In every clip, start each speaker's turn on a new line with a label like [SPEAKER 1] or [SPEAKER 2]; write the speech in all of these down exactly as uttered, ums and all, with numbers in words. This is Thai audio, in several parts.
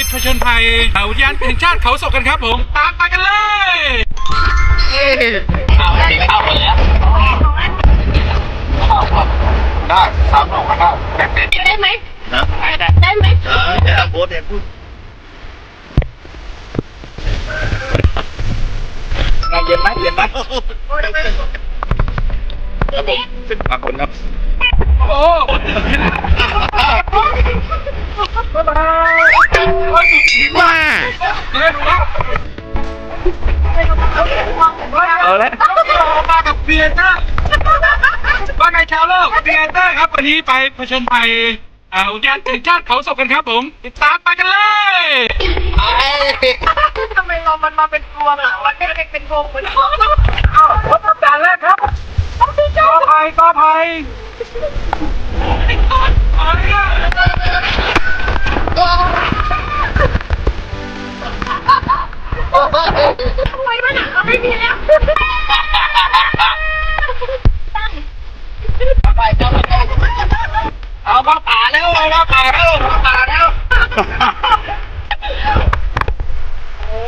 [SPEAKER 1] ผจญภัยอุทยานแห่งชาติเขาศกกันครับผมตามไปกันเลย
[SPEAKER 2] ข้าวกินข้าวหมดแล้วได้สามโลก็ได้
[SPEAKER 3] ได้ไหม
[SPEAKER 2] นะ
[SPEAKER 3] ได้ได้ไหม
[SPEAKER 2] เออเดี๋ยวโบ๊ทเดี๋ยวพูดงานเย็นไหมเย็นไหมครับผมขึ้นปากคนครับ
[SPEAKER 1] โอ้บ๊ายบายว้าเอาละมากับเบียร์นะว่าไงชาวโลกเบียร์ครับวันนี้ไปผจญภัยอุทยานแห่งชาติเขาศกกันครับผมติดตามไปกันเลย
[SPEAKER 3] ทำไมเรามันมาเป็นพวงอ่ะมันไม่ได้เป็นพวงเหมือนพวง
[SPEAKER 1] อ้าวรถตับด่านแรกครับกอไผ่กอไผ่
[SPEAKER 3] ทำไมมันอ่ะไม่มีแล้ว
[SPEAKER 2] ไปเจ้าเอามาป่าแล้วเอามาป่าแล้วมาป่าแล้วโอ้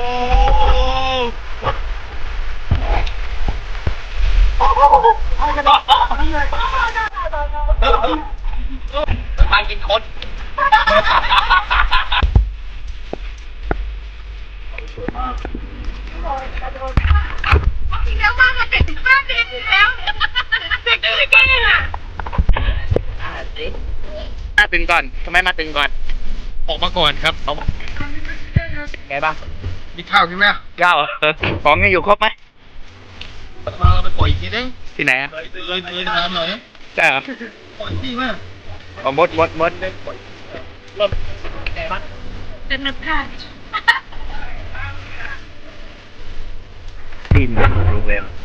[SPEAKER 2] มากินคน
[SPEAKER 3] อีกแล้วมาเด็กบ้านเด็กแล้วเด็กเด็กอ่ะ
[SPEAKER 2] มาตึงก่อนทำไมมาตึงก่อน
[SPEAKER 1] ออกมาก่อนครับเอา
[SPEAKER 2] ไงบ้าง
[SPEAKER 1] มีข้าวกินไหม
[SPEAKER 2] ข้าวเออของยังอยู่ครบไหม
[SPEAKER 1] มาเราไปปล่อยอีกทีนึง
[SPEAKER 2] ที่ไหนอ่ะ
[SPEAKER 1] เลยเลยเลยน้ำหน่อย
[SPEAKER 2] ใช่เหรอ
[SPEAKER 1] ปล่อยที่มาก
[SPEAKER 2] อ๋อมดมดมดได้ปล่อยเริ่มไงบ้าง
[SPEAKER 3] เป็นนักพากย์
[SPEAKER 2] ดินรู้เวล